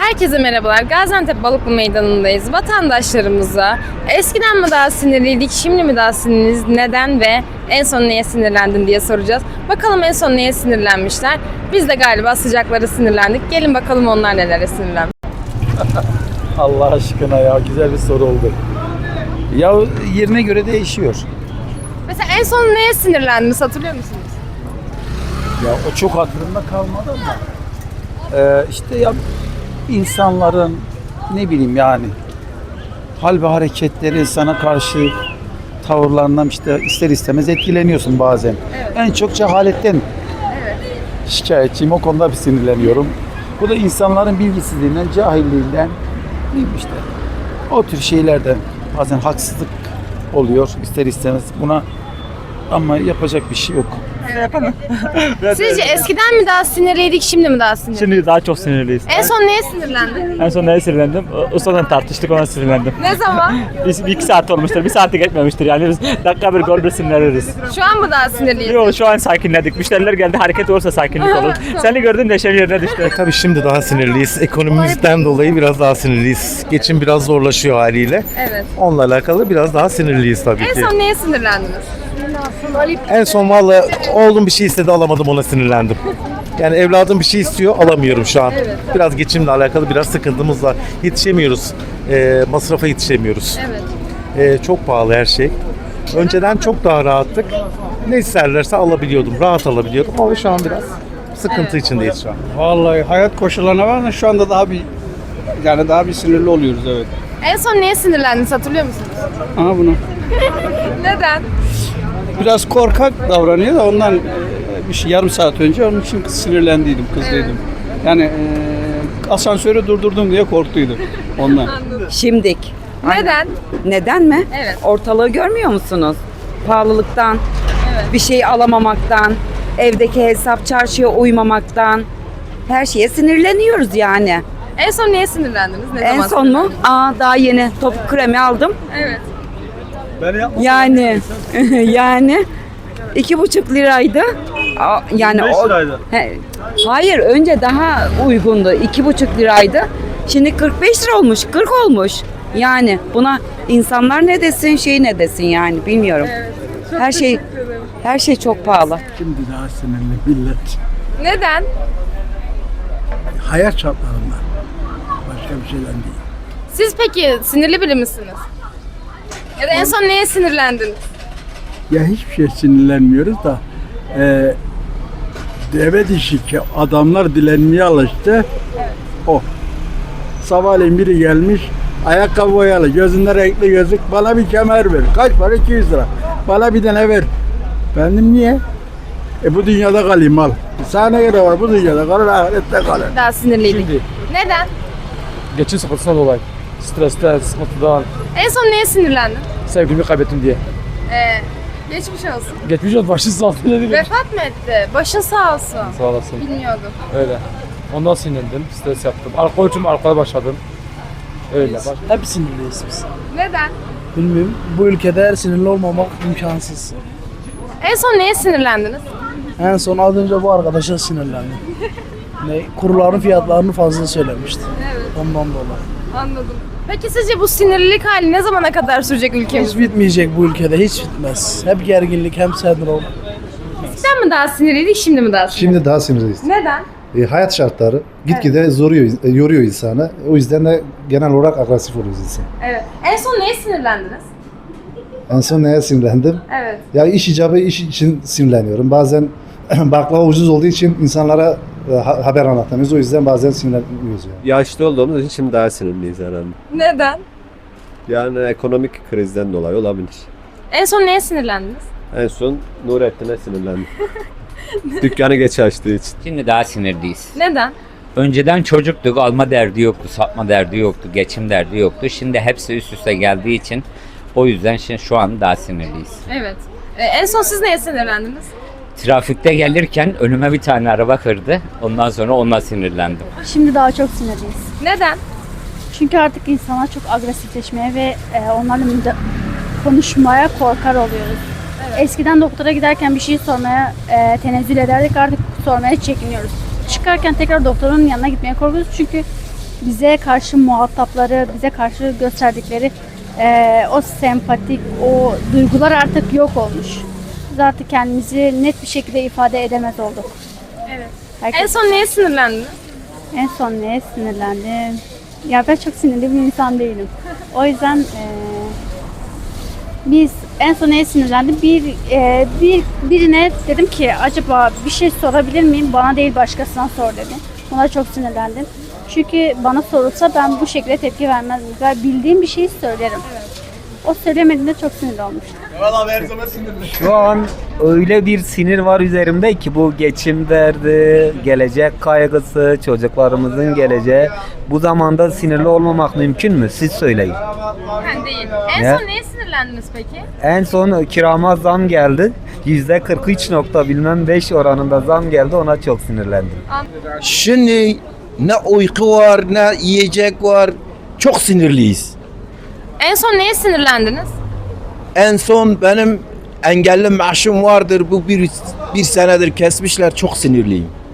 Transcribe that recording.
Herkese merhabalar. Gaziantep Balıklı Meydanı'ndayız. Vatandaşlarımıza eskiden mi daha sinirliydik, şimdi mi daha sinirliyiz, neden ve en son neye sinirlendin diye soracağız. Bakalım en son neye sinirlenmişler. Biz de galiba sıcaklara sinirlendik. Gelin bakalım onlar nelere sinirlenmiş. Allah aşkına ya, güzel bir soru oldu. Ya yerine göre değişiyor. Mesela en son neye sinirlendiniz hatırlıyor musunuz? Ya o çok hatırımda kalmadı ama işte ya insanların ne bileyim yani hal ve hareketleri, sana karşı tavırlarından işte ister istemez etkileniyorsun bazen. Evet. En çok cehaletten şikayetçiyim, o konuda bir sinirleniyorum. Bu da insanların bilgisizliğinden, cahilliğinden işte o tür şeylerden bazen haksızlık oluyor ister istemez buna, ama yapacak bir şey yok. Sizce eskiden mi daha sinirliydik, şimdi mi daha sinirliyiz? Şimdi daha çok sinirliyiz. En son neye sinirlendin? En son neye sinirlendim? Ustadan tartıştık, ona sinirlendim. Ne zaman? Biz bir iki saat olmuştur, bir saati geçmemiştir yani biz dakika bir gol bir sinirleniyoruz. Şu an mı daha sinirliyiz? Yok, şu an sakinledik. Müşteriler geldi, hareket olursa sakinlik olur. Seni gördüm, neşem yerine düştü. Tabii şimdi daha sinirliyiz. Ekonomimizden dolayı biraz daha sinirliyiz. Geçim biraz zorlaşıyor haliyle. Evet. Onunla alakalı biraz daha sinirliyiz tabii En ki. son neye sinirlendiniz? En son vallahi oğlum bir şey istedi, alamadım, ona sinirlendim. Yani evladım bir şey istiyor, alamıyorum şu an. Evet. Biraz geçimle alakalı biraz sıkıntımız var. Yetişemiyoruz. Masrafa yetişemiyoruz. Evet. Çok pahalı her şey. Önceden çok daha rahattık. Ne isterlerse alabiliyordum. Rahat alabiliyordum ama şu an biraz sıkıntı içindeyiz şu an. Vallahi hayat koşullarına var da şu anda daha bir sinirli oluyoruz, evet. En son neye sinirlendiniz hatırlıyor musunuz? Aha bunu. Neden? Biraz korkak davranıyor da ondan bir şey yarım saat önce onun için sinirlendiydim, kızdıydım. Yani asansörü durdurdum diye korktuydum ondan. Şimdik. Neden? Neden mi? Evet. Ortalığı görmüyor musunuz? Pahalılıktan, bir şey alamamaktan, evdeki hesap çarşıya uymamaktan, her şeye sinirleniyoruz yani. En son neye sinirlendiniz? Ne En zaman son mu? sinirlendiniz? Daha yeni topuk kremi aldım. Evet. Yani yani 2,5 liraydı. Yani 5 liraydı. Hayır, önce daha uygundu. 2,5 liraydı. Şimdi 45 lira olmuş, 40 olmuş. Yani buna insanlar ne desin, şey ne desin yani bilmiyorum. Her şey çok pahalı. Şimdi daha sinirli millet. Neden? Hayat şartlarından. Başka bir şeyden değil. Siz peki sinirli biri misiniz? Ya da en son neye sinirlendiniz? Ya hiçbir şey sinirlenmiyoruz da deve dişi ki adamlar dilenmeye alıştı. O. Sabahleyin biri gelmiş, ayakkabı boyalı, gözünde renkli gözlük, bana bir kemer ver. Kaç para? 200 lira. Bana bir tane ver. Benim niye? Bu dünyada kalayım al. Sana göre var, bu dünyada kalır, ahirette kalır. Daha sinirliydik. Neden? Geçim sıkıntısına dolayı. Stresten, sıkıntıdan, En son neye sinirlendin? sevgilimi kaybettim diye. Geçmiş olsun. Geçmiş olsun, başın sağ olsun dedim. Vefat mı etti? Başın sağ olsun. Sağ olasın. Bilmiyordum. Öyle. Ondan sinirlendim, stres yaptım. Alkol için alkole başladım. Öyle. Hep sinirliyiz biz. Neden? Bilmiyorum. Bu ülkede sinirli olmamak imkansız. En son neye sinirlendiniz? En son az önce bu arkadaşa sinirlendim. Kuruların fiyatlarını fazla söylemişti. Evet. Ondan dolayı. Anladım. Peki sizce bu sinirlilik hali ne zamana kadar sürecek Hiç ülkemizde? bitmeyecek bu ülkede, hiç bitmez. Hep gerginlik, hem sendrom. Eskiden mi daha sinirliydik, şimdi mi daha sinirliyiz? Şimdi daha sinirliyiz. Neden? Hayat şartları gitgide yoruyor insanı. O yüzden de genel olarak agresif oluyoruz insan. Evet. En son neye sinirlendiniz? En son neye sinirlendim? Evet. Ya iş icabı iş için sinirleniyorum. Bazen baklava ucuz olduğu için insanlara haber anlatamıyoruz. O yüzden bazen sinirleniyoruz yani. Yaşlı olduğumuz için şimdi daha sinirliyiz herhalde. Neden? Yani ekonomik krizden dolayı olabilir. En son neye sinirlendiniz? En son Nurettin'e sinirlendim. Dükkanı geç açtığı için. Şimdi daha sinirliyiz. Neden? Önceden çocuktuk, alma derdi yoktu, satma derdi yoktu, geçim derdi yoktu. Şimdi hepsi üst üste geldiği için o yüzden şimdi şu an daha sinirliyiz. Evet. En son siz neye sinirlendiniz? Trafikte gelirken önüme bir tane araba kırdı. Ondan sonra onunla sinirlendim. Şimdi daha çok sinirliyiz. Neden? Çünkü artık insanlar çok agresifleşmeye ve onlarla konuşmaya korkar oluyoruz. Eskiden doktora giderken bir şey sormaya tenezzül ederdik, artık sormaya çekiniyoruz. Çıkarken tekrar doktorun yanına gitmeye korkuyoruz çünkü bize karşı muhatapları, bize karşı gösterdikleri o sempatik, o duygular artık yok olmuş. Biz artık kendimizi net bir şekilde ifade edemez olduk. Evet. Herkes- En son neye sinirlendiniz? En son neye sinirlendim? Ya ben çok sinirli bir insan değilim. O yüzden biz en son neye sinirlendim? Birine dedim ki acaba bir şey sorabilir miyim? Bana değil başkasına sor dedim. Ona çok sinirlendim. Çünkü bana sorulsa ben bu şekilde tepki vermezdim. Ben bildiğim bir şeyi söylerim. O söylemediğinde çok sinirli olmuştum. Şu an öyle bir sinir var üzerimde ki bu geçim derdi, gelecek kaygısı, çocuklarımızın geleceği. Bu zamanda sinirli olmamak mümkün mü? Siz söyleyin. Ben değil. En Ne? son neye sinirlendiniz peki? En son kirama zam geldi. %43.5 oranında zam geldi. Ona çok sinirlendim. Şimdi ne uyku var ne yiyecek var. Çok sinirliyiz. En son neye sinirlendiniz? En son benim engelli maaşım vardır. Bu bir senedir kesmişler. Çok sinirliyim.